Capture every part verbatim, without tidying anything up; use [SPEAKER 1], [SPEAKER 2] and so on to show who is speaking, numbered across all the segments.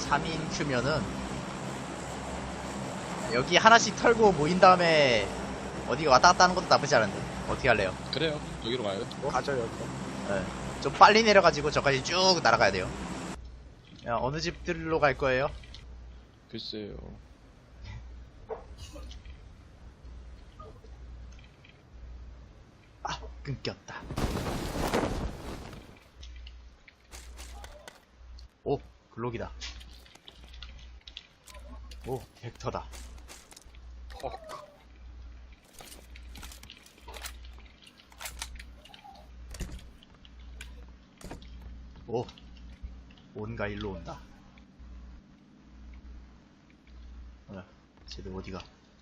[SPEAKER 1] 삼 인 큐면은 여기 하나씩 털고 모인 다음에 어디가 왔다 갔다 하는 것도 나쁘지 않은데 어떻게 할래요?
[SPEAKER 2] 그래요. 여기로 가요.
[SPEAKER 3] 가죠 여기.
[SPEAKER 1] 네. 좀 빨리 내려가지고 저까지 쭉 날아가야 돼요. 야, 어느 집들로 갈 거예요?
[SPEAKER 2] 글쎄요.
[SPEAKER 1] 아, 끊겼다. 오, 글록이다. 오, 벡터다.
[SPEAKER 3] 헉.
[SPEAKER 1] 오, 온가 일로 온다. 어, 쟤들 어디가?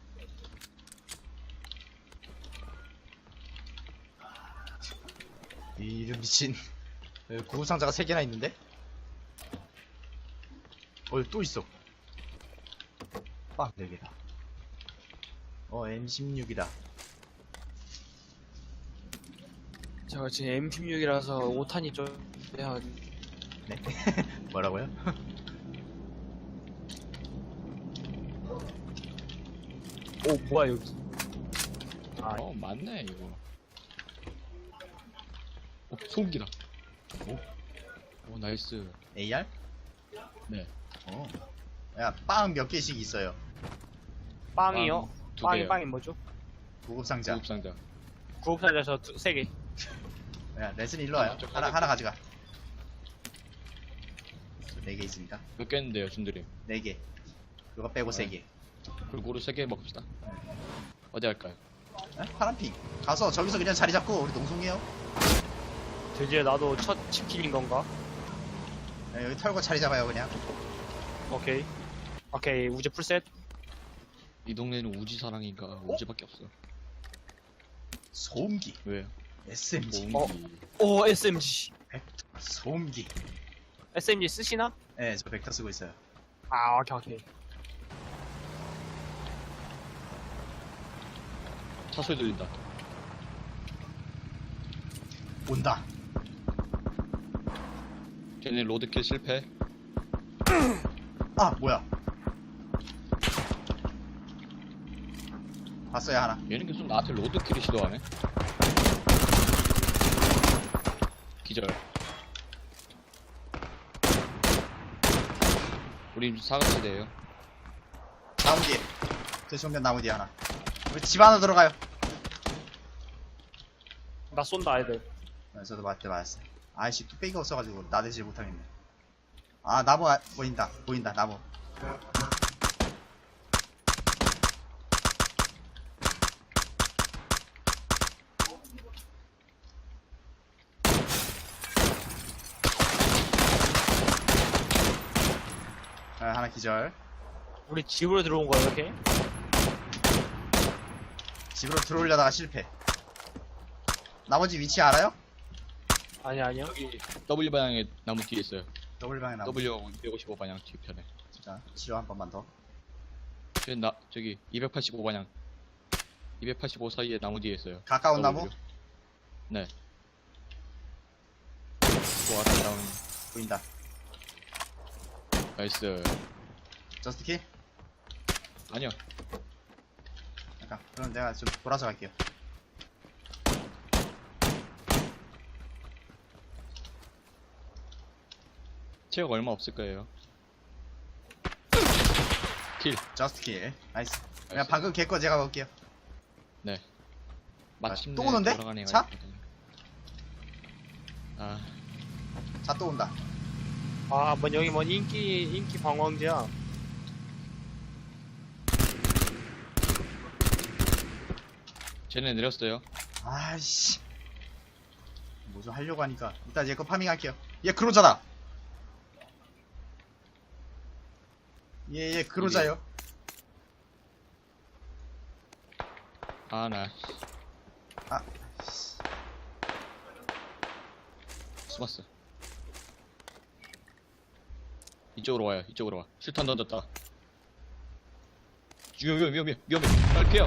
[SPEAKER 1] 이런 미친. 여기 구급상자가 세 개나 있는데? 어, 여기 또 있어. 빡, 네 개다. 어, 엠 십육이다.
[SPEAKER 3] 제가 지금 엠 십육이라서 오 탄이 좀 빼야.
[SPEAKER 1] 네? 뭐라고요?
[SPEAKER 3] 오 뭐야 여기. 아
[SPEAKER 2] 어, 맞네, 이거. 어, 소음기다. 오. 오, 나이스.
[SPEAKER 1] 에이알?
[SPEAKER 2] 네.
[SPEAKER 1] 어. 야, 빵 몇 개씩 있어요.
[SPEAKER 3] 빵이요?
[SPEAKER 2] 두
[SPEAKER 3] 빵이
[SPEAKER 2] 개요.
[SPEAKER 3] 빵이 뭐죠?
[SPEAKER 1] 구급상자.
[SPEAKER 2] 구급상자.
[SPEAKER 3] 구급사에서 세 개.
[SPEAKER 1] 야, 레슨 일로 와요.
[SPEAKER 2] 좀
[SPEAKER 1] 하나,
[SPEAKER 2] 가져올게.
[SPEAKER 1] 하나 가져가. 네 개 있습니다.
[SPEAKER 2] 몇 개인데요, 준들이?
[SPEAKER 1] 네 개. 그거 빼고 세 개.
[SPEAKER 2] 골고루 세 개 먹읍시다. 어디 할까요?
[SPEAKER 1] 에? 파란핑. 가서 저기서 그냥 자리 잡고 우리 농성해요.
[SPEAKER 3] 드디어 나도 첫 치킨인 건가?
[SPEAKER 1] 야, 여기 털고 자리 잡아요, 그냥.
[SPEAKER 3] 오케이. 오케이 우제 풀셋.
[SPEAKER 2] 이 동네는 우지 사랑인가 우지밖에 없어.
[SPEAKER 1] 소음기.
[SPEAKER 2] 왜요?
[SPEAKER 1] 에스엠지.
[SPEAKER 3] 어?
[SPEAKER 2] 소음기.
[SPEAKER 3] 오 에스엠지.
[SPEAKER 1] 소음기.
[SPEAKER 3] 에스엠지 쓰시나?
[SPEAKER 1] 네, 저 벡터 쓰고 있어요.
[SPEAKER 3] 아 오케이 오케이.
[SPEAKER 2] 차 소리 들린다.
[SPEAKER 1] 온다.
[SPEAKER 2] 걔네 로드킬 실패.
[SPEAKER 1] 아, 뭐야. 봤어요, 하나.
[SPEAKER 2] 얘는 계속 나한테 로드킬을 시도하네. 기절. 우리 사각지대에요.
[SPEAKER 1] 나무 뒤에. 저 정면 나무 뒤에 하나. 우리 집 안으로 들어가요.
[SPEAKER 3] 나 쏜다 애들.
[SPEAKER 1] 네, 저도 맞대 맞았어요. 아이씨, 뚝배기가 없어가지고 나대질 못하겠네. 아, 나무 아, 보인다. 보인다, 나무. 아, 하나 기절.
[SPEAKER 3] 우리 집으로 들어온 거야 이렇게?
[SPEAKER 1] 집으로 들어오려다가 실패. 나머지 위치 알아요?
[SPEAKER 3] 아니 아니요.
[SPEAKER 2] 여기 W 방향에 나무 뒤에 있어요.
[SPEAKER 1] 더블 방에 나무.
[SPEAKER 2] W 이백오십오 방향 뒤편에.
[SPEAKER 1] 자, 치료 한 번만 더.
[SPEAKER 2] 저기 나 저기 이백팔십오 방향. 이백팔십오 사이에 나무 뒤에 있어요.
[SPEAKER 1] 가까운 나무?
[SPEAKER 2] W. 네. 와, 다운.
[SPEAKER 1] 보인다.
[SPEAKER 2] 나이스.
[SPEAKER 1] 저스트 킬?
[SPEAKER 2] 아니요.
[SPEAKER 1] 잠깐. 그럼 내가 좀 돌아서 갈게요.
[SPEAKER 2] 체력 얼마 없을 거예요. 킬.
[SPEAKER 1] 저스트 킬. 나이스. 그냥
[SPEAKER 2] 나이스.
[SPEAKER 1] 방금 걔 거 제가 먹을게요.
[SPEAKER 2] 네. 마침내
[SPEAKER 1] 또 오는데?
[SPEAKER 2] 돌아가는 애가
[SPEAKER 1] 차?
[SPEAKER 2] 있거든요. 아,
[SPEAKER 1] 자, 또 온다.
[SPEAKER 3] 아, 뭐 여기 뭐 인기 인기 방황지야.
[SPEAKER 2] 쟤네 내렸어요.
[SPEAKER 1] 아이씨. 뭐 좀 하려고 하니까. 일단 얘 거 파밍 할게요. 얘 그로자다. 얘, 얘 그로자요.
[SPEAKER 2] 아, 나.
[SPEAKER 1] 아.
[SPEAKER 2] 숨었어. 이쪽으로 와요. 이쪽으로 와. 실탄 던졌다. 위험해, 위험해, 위험해. 빨리 피해.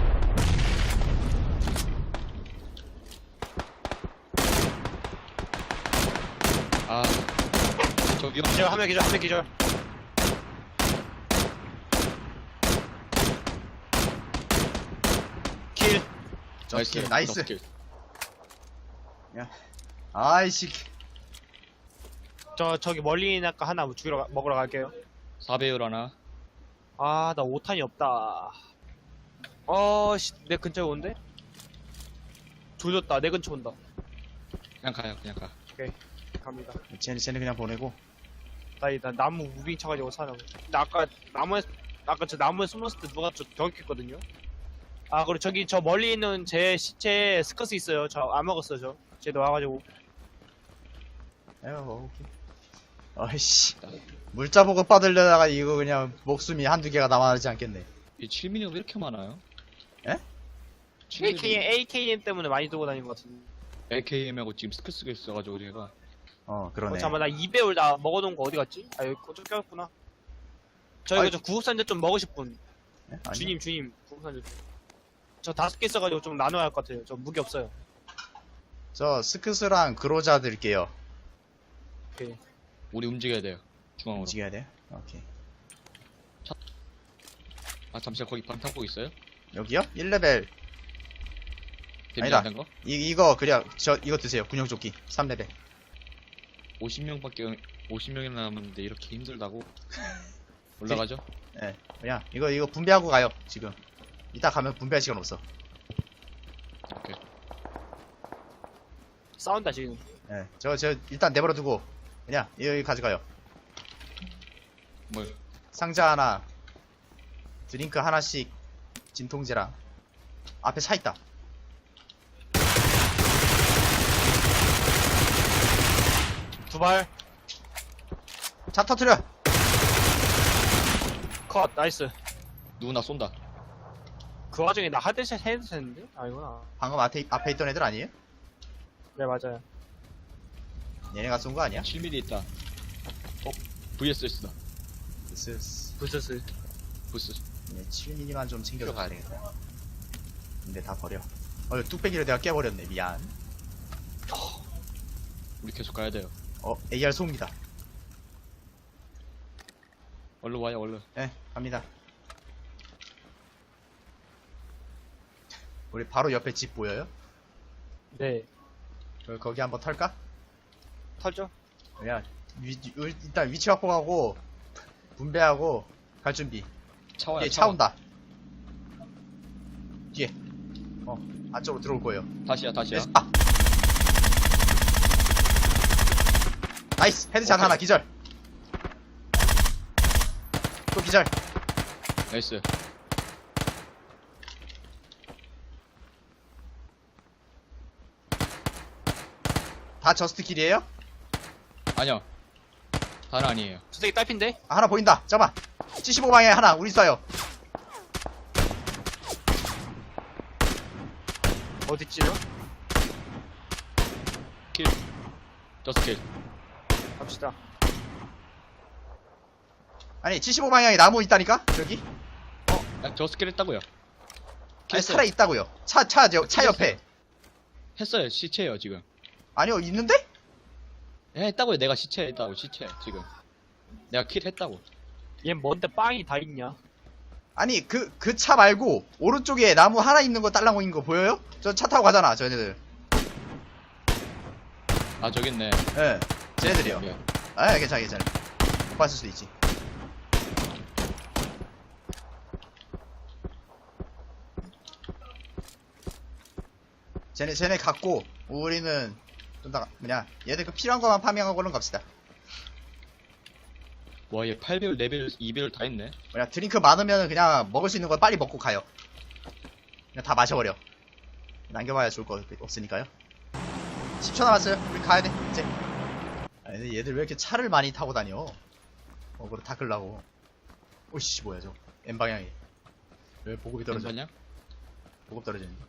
[SPEAKER 2] 아, 저 위험.
[SPEAKER 3] 기절, 한명 기절, 한명 기절.
[SPEAKER 1] 저스킬 나이스.
[SPEAKER 2] 저스킬.
[SPEAKER 1] 아이씨.
[SPEAKER 3] 저 저기 멀리 있는 아까 하나 죽이러 가- 먹으러 갈게요.
[SPEAKER 2] 사 배율 하나.
[SPEAKER 3] 아 나 오 탄이 없다. 어씨 내 근처에 온대? 조졌다 내 근처 온다.
[SPEAKER 2] 그냥 가요, 그냥 가.
[SPEAKER 3] 갑니다.
[SPEAKER 1] 쟤는 쟤는 그냥 보내고.
[SPEAKER 3] 나, 나 나무 무빙 쳐가지고 사는. 나 아까 나무에 아까 저 나무에 숨었을 때 누가 저 저격했거든요. 아 그리고 저기 저 멀리 있는 제 시체에 스커스 있어요. 저 안 먹었어요 저. 쟤도 와가지고.
[SPEAKER 1] 에휴 오케이. 아이씨. 물자 보급 받으려다가 이거 그냥 목숨이 한두 개가 남아나지 않겠네.
[SPEAKER 2] 이 칠 밀리미터 왜 이렇게 많아요?
[SPEAKER 1] 에?
[SPEAKER 3] 에이케이엠 에이케이엠 때문에 많이 들고 다니는 것 같은데.
[SPEAKER 2] 에이케이엠하고 지금 스크스가 있어가지고 제가
[SPEAKER 1] 어
[SPEAKER 3] 어,
[SPEAKER 1] 그러네.
[SPEAKER 3] 잠깐만 나 이 배율 다 먹어놓은 거 어디 갔지? 아 여기 쫓겨났구나. 저 이거
[SPEAKER 1] 아이.
[SPEAKER 3] 저 구급산재 좀 먹으실 분.
[SPEAKER 1] 예? 아니,
[SPEAKER 3] 주님 주님 구급산재 좀. 저 다섯 개 있어가지고 좀 나눠야 할 것 같아요. 저 무기 없어요.
[SPEAKER 1] 저 스크스랑 그로자 드릴게요.
[SPEAKER 3] 오케이.
[SPEAKER 2] 우리 움직여야 돼요. 중앙으로.
[SPEAKER 1] 움직여야 돼? 오케이.
[SPEAKER 2] 아 잠시만 거기 방탄복 있어요?
[SPEAKER 1] 여기요? 일 레벨.
[SPEAKER 2] 데미지
[SPEAKER 1] 아니다.
[SPEAKER 2] 안 된 거?
[SPEAKER 1] 이, 이거 그냥 저 이거 드세요. 군용조끼 삼 레벨.
[SPEAKER 2] 오십 명밖에 오십 명이나 남았는데 이렇게 힘들다고? 올라가죠?
[SPEAKER 1] 예. 그냥 이거 이거 분배하고 가요. 지금. 이따 가면 분배할 시간 없어.
[SPEAKER 2] 오케이.
[SPEAKER 3] 싸운다 지금.
[SPEAKER 1] 예. 저 저 일단 내버려 두고 그냥 여기 가져가요.
[SPEAKER 2] 뭘?
[SPEAKER 1] 상자 하나, 드링크 하나씩, 진통제랑 앞에 차 있다.
[SPEAKER 3] 두 발.
[SPEAKER 1] 차 터트려.
[SPEAKER 3] 컷. 나이스.
[SPEAKER 2] 누구나 쏜다.
[SPEAKER 3] 그 와중에 나 하드샷 해도 되는데? 아니구나.
[SPEAKER 1] 방금 앞에 앞에 있던 애들 아니에요?
[SPEAKER 3] 네 맞아요.
[SPEAKER 1] 얘네가 쏜 거 아니야?
[SPEAKER 2] 칠 밀리미터 있다. 어? 브이에스에스다.
[SPEAKER 1] 쓰쓰.
[SPEAKER 3] 부스스.
[SPEAKER 2] 부스.
[SPEAKER 1] 네, 칠 밀리미터만 좀 챙겨서 가야 되겠다. 근데 다 버려. 어, 뚝배기를 내가 깨버렸네. 미안.
[SPEAKER 2] 우리 계속 가야 돼요.
[SPEAKER 1] 어, 에이알 소음기다.
[SPEAKER 2] 얼른 와요, 얼른.
[SPEAKER 1] 네, 갑니다. 우리 바로 옆에 집 보여요?
[SPEAKER 3] 네.
[SPEAKER 1] 그, 거기 한번 털까?
[SPEAKER 3] 털죠.
[SPEAKER 1] 그냥 위, 위- 일단 위치 확보하고 분배하고 갈 준비.
[SPEAKER 2] 차 와요,
[SPEAKER 1] 뒤에 차 온다. 뒤에. 어, 안쪽으로 들어올 거예요.
[SPEAKER 2] 다시야, 다시야.
[SPEAKER 1] 네, 아. 나이스! 헤드샷
[SPEAKER 2] 오케이.
[SPEAKER 1] 하나 기절. 또 기절.
[SPEAKER 2] 나이스.
[SPEAKER 1] 다 저스트 킬이에요?
[SPEAKER 2] 아니요. 다는 아니에요.
[SPEAKER 3] 저 새끼 딸핀데?
[SPEAKER 1] 아, 하나 보인다. 잠깐만. 칠십오 방향에 하나. 우리 쏴요.
[SPEAKER 3] 어딨지요?
[SPEAKER 2] 킬. 저스 킬.
[SPEAKER 3] 갑시다.
[SPEAKER 1] 아니, 칠십오 방향에 나무 있다니까? 저기?
[SPEAKER 2] 야, 저스 킬 했다고요.
[SPEAKER 1] 아니,
[SPEAKER 2] 했어요.
[SPEAKER 1] 살아 있다고요. 차, 차, 저, 차 옆에.
[SPEAKER 2] 했어요. 시체예요, 지금.
[SPEAKER 1] 아니요, 있는데?
[SPEAKER 2] 예, 했다고요. 내가 시체 했다고, 시체. 지금. 내가 킬 했다고.
[SPEAKER 3] 얘 뭔데 빵이 다 있냐?
[SPEAKER 1] 아니, 그, 그 차 말고, 오른쪽에 나무 하나 있는 거 딸랑거린 거 보여요? 저 차 타고 가잖아, 저네들.
[SPEAKER 2] 아, 저기 있네.
[SPEAKER 1] 예. 쟤네들이요.
[SPEAKER 2] 예.
[SPEAKER 1] 아, 괜찮아, 괜찮아. 못 봤을 수도 있지. 쟤네, 쟤네 갖고, 우리는, 좀 더, 뭐냐, 얘들 그 필요한 것만 파밍하고는 갑시다.
[SPEAKER 2] 와, 얘 팔 배율, 네 배율, 이 배율 다 했네.
[SPEAKER 1] 뭐냐, 드링크 많으면 그냥 먹을 수 있는 거 빨리 먹고 가요. 그냥 다 마셔버려. 남겨봐야 좋을 거 없으니까요. 십 초 남았어요. 우리 가야 돼, 이제. 아, 근데 얘들 왜 이렇게 차를 많이 타고 다녀? 어그로 닦으려고. 오씨, 뭐야, 저. N방향이. 왜 보급이 떨어져?
[SPEAKER 2] 괜찮냐?
[SPEAKER 1] 보급 떨어지는 거.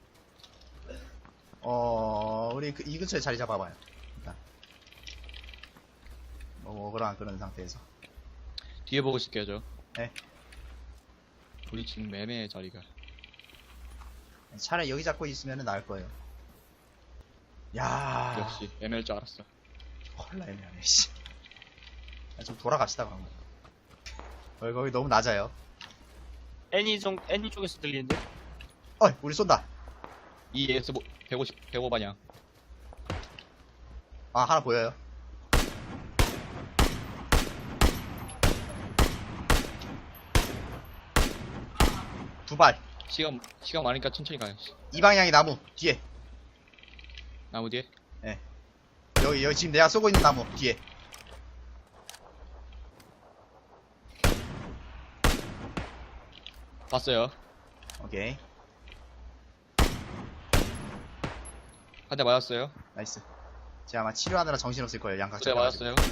[SPEAKER 1] 어, 우리 그, 이 근처에 자리 잡아봐요. 일단. 뭐, 어그로 안 끄는 상태에서.
[SPEAKER 2] 뒤에 보고 있을게요, 저.
[SPEAKER 1] 네.
[SPEAKER 2] 우리 지금 매매 자리가.
[SPEAKER 1] 차라리 여기 잡고 있으면 나을 거예요. 야
[SPEAKER 2] 역시, 애매할 줄 알았어.
[SPEAKER 1] 헐라 애매하네, 씨. 야, 좀 돌아갑시다, 그럼. 거기, 거기 너무 낮아요.
[SPEAKER 3] 애니 쪽 애니 쪽에서 들리는데?
[SPEAKER 1] 어이, 우리 쏜다.
[SPEAKER 2] 이에스 백오십, 백오 방향.
[SPEAKER 1] 아, 하나 보여요. 두 발.
[SPEAKER 2] 시간, 시간 많으니까 천천히 가요.
[SPEAKER 1] 이 방향이 나무 뒤에.
[SPEAKER 2] 나무 뒤에.
[SPEAKER 1] 여기 여기 지금 내가 쏘고 있는 나무 뒤에.
[SPEAKER 2] 봤어요.
[SPEAKER 1] 오케이.
[SPEAKER 2] 한 대 맞았어요.
[SPEAKER 1] 나이스. 제가 아마 치료하느라 정신없을 거예요. 양각
[SPEAKER 2] 두 대
[SPEAKER 1] 잡아가지고.
[SPEAKER 2] 맞았어요.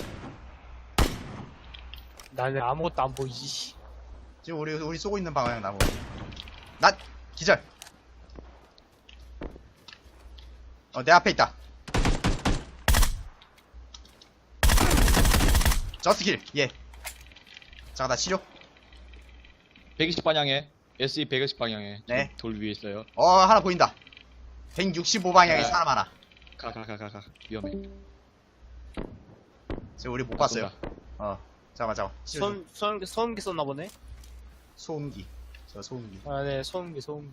[SPEAKER 3] 나는 아무것도 안 보이지.
[SPEAKER 1] 지금 우리 우리 쏘고 있는 방향 나무. 나 기절. 어, 내 앞에 있다. 저스킬. 예. 잠깐 나 치료.
[SPEAKER 2] 백이십 방향에. 에스이 백이십 방향에.
[SPEAKER 1] 네.
[SPEAKER 2] 돌 위에 있어요.
[SPEAKER 1] 어, 하나 보인다. 백육십오 방향에
[SPEAKER 2] 네.
[SPEAKER 1] 사람 하나.
[SPEAKER 2] 가, 가, 가, 가, 가. 위험해.
[SPEAKER 1] 지금 우리 못 봤어요.
[SPEAKER 2] 쏜다.
[SPEAKER 1] 어. 잠깐만 잠깐만. 치료 좀.
[SPEAKER 3] 소음, 소음기, 소음기 썼나 보네?
[SPEAKER 1] 소음기. 저 소음기.
[SPEAKER 3] 아, 네, 소음기, 소음기.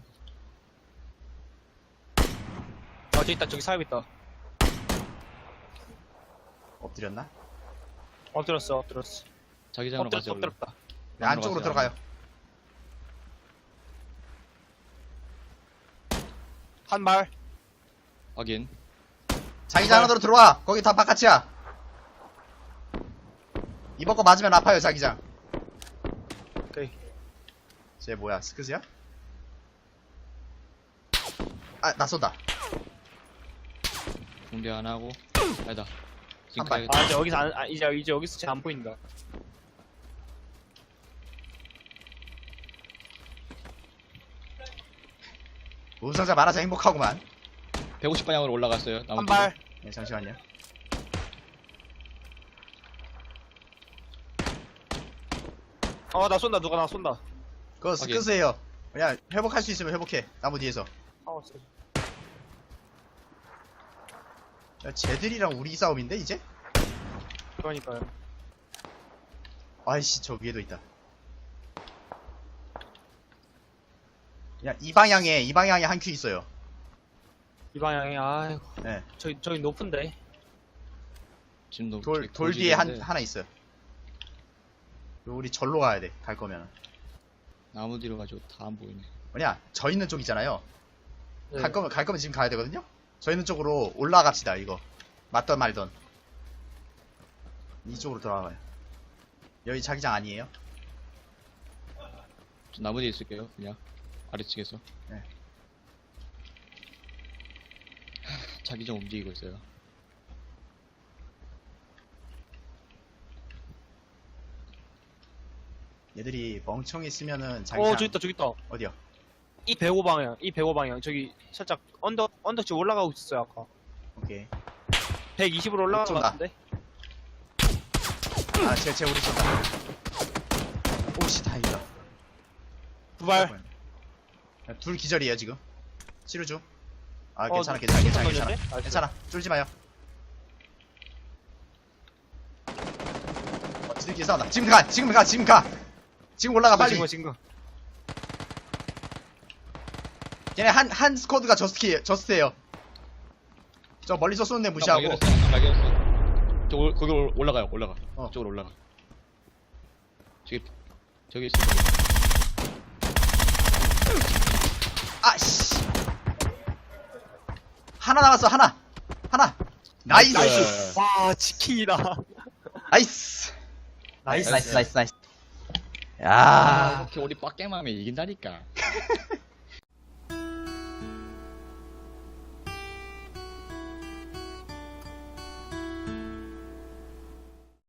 [SPEAKER 3] 어, 저기 있다, 저기 사람 있다.
[SPEAKER 1] 엎드렸나?
[SPEAKER 3] 엎드렸어, 엎드렸어.
[SPEAKER 2] 자기장으로
[SPEAKER 3] 엎드렸다,
[SPEAKER 2] 가세요. 얼른.
[SPEAKER 3] 엎드렸다.
[SPEAKER 1] 네, 안쪽으로
[SPEAKER 2] 들어갔어요,
[SPEAKER 1] 들어가요.
[SPEAKER 3] 한 발.
[SPEAKER 2] 확인.
[SPEAKER 1] 자기장 안으로 들어와. 거기 다 바깥이야. 이번 거 맞으면 아파요, 자기장.
[SPEAKER 3] 오케이.
[SPEAKER 1] 쟤 뭐야, 스크즈야? 아, 나 쏜다.
[SPEAKER 2] 준비 안 하고. 아니다. 지금
[SPEAKER 1] 한 발.
[SPEAKER 2] 가야겠다.
[SPEAKER 3] 아, 이제 여기서 안, 아, 이제, 이제 여기서 쟤 안 보인다.
[SPEAKER 1] 우승자 많아서 행복하구만.
[SPEAKER 2] 백오십 방향으로 올라갔어요. 나무
[SPEAKER 3] 한
[SPEAKER 2] 뒤로.
[SPEAKER 3] 발.
[SPEAKER 1] 네, 잠시만요.
[SPEAKER 3] 어, 나 쏜다, 누가 나 쏜다.
[SPEAKER 1] 그거
[SPEAKER 2] 확인.
[SPEAKER 1] 스크즈예요. 그냥 회복할 수 있으면 회복해. 나무 뒤에서.
[SPEAKER 3] 아, 쎄.
[SPEAKER 1] 야, 쟤들이랑 우리 싸움인데, 이제?
[SPEAKER 3] 그러니까요.
[SPEAKER 1] 아이씨, 저 위에도 있다. 야, 이 방향에, 이 방향에 한 큐 있어요.
[SPEAKER 3] 이 방향에, 아이고.
[SPEAKER 1] 네.
[SPEAKER 3] 저기, 저기 높은데.
[SPEAKER 2] 지금 너
[SPEAKER 1] 돌, 돌 뒤에 한, 하나 있어요. 우리 절로 가야 돼, 갈 거면.
[SPEAKER 2] 나무 뒤로 가지고 다 안 보이네.
[SPEAKER 1] 뭐냐, 저 있는 쪽 있잖아요.
[SPEAKER 3] 네.
[SPEAKER 1] 갈 거면, 갈 거면 지금 가야 되거든요? 저 있는 쪽으로 올라갑시다, 이거. 맞던 말던. 이쪽으로 돌아가요. 여기 자기장 아니에요?
[SPEAKER 2] 저 나무 뒤에 있을게요. 그냥 아래측에서.
[SPEAKER 1] 네.
[SPEAKER 2] 자기장 움직이고 있어요.
[SPEAKER 1] 얘들이 멍청이 쓰면은 자기장.
[SPEAKER 3] 어, 저기 있다, 저기 있다.
[SPEAKER 1] 어디요?
[SPEAKER 3] 이 백오 방향, 이 백오 방향. 저기 살짝 언덕, 언덕지 올라가고 있었어요, 아까.
[SPEAKER 1] 오케이.
[SPEAKER 3] 백이십으로 올라간 것
[SPEAKER 1] 쏜다.
[SPEAKER 3] 같은데?
[SPEAKER 1] 아, 쟤, 쟤 우리 쏜다. 오씨, 다행이다.
[SPEAKER 3] 두 발.
[SPEAKER 1] 야, 둘 기절이에요, 지금. 치료 중. 아,
[SPEAKER 3] 어,
[SPEAKER 1] 괜찮아, 괜찮아, 괜찮아, 괜찮아.
[SPEAKER 3] 던졌네? 아,
[SPEAKER 1] 괜찮아. 쫄지 마요. 어, 지들끼리 싸운다. 지금 가, 지금 가, 지금 가. 지금 올라가, 빨리.
[SPEAKER 3] 지금, 지금.
[SPEAKER 1] 걔네 한, 한 스쿼드가 저스키, 저스트예요. 저 멀리서 쏘는 애 무시하고.
[SPEAKER 2] 발견했어. 발견했어. 저 올- 거기 올- 올라가요. 올라가.
[SPEAKER 1] 어.
[SPEAKER 2] 저쪽으로 올라가. 저기 저기 있어.
[SPEAKER 1] 아씨. 하나 남았어, 하나. 하나. 나이스.
[SPEAKER 2] 나이스.
[SPEAKER 3] 와, 치킨이다.
[SPEAKER 1] 나이스.
[SPEAKER 3] 나이스.
[SPEAKER 1] 나이스, 나이스, 나이스.
[SPEAKER 2] 아,
[SPEAKER 1] 야.
[SPEAKER 2] 이렇게 우리 빡겜하면 이긴다니까.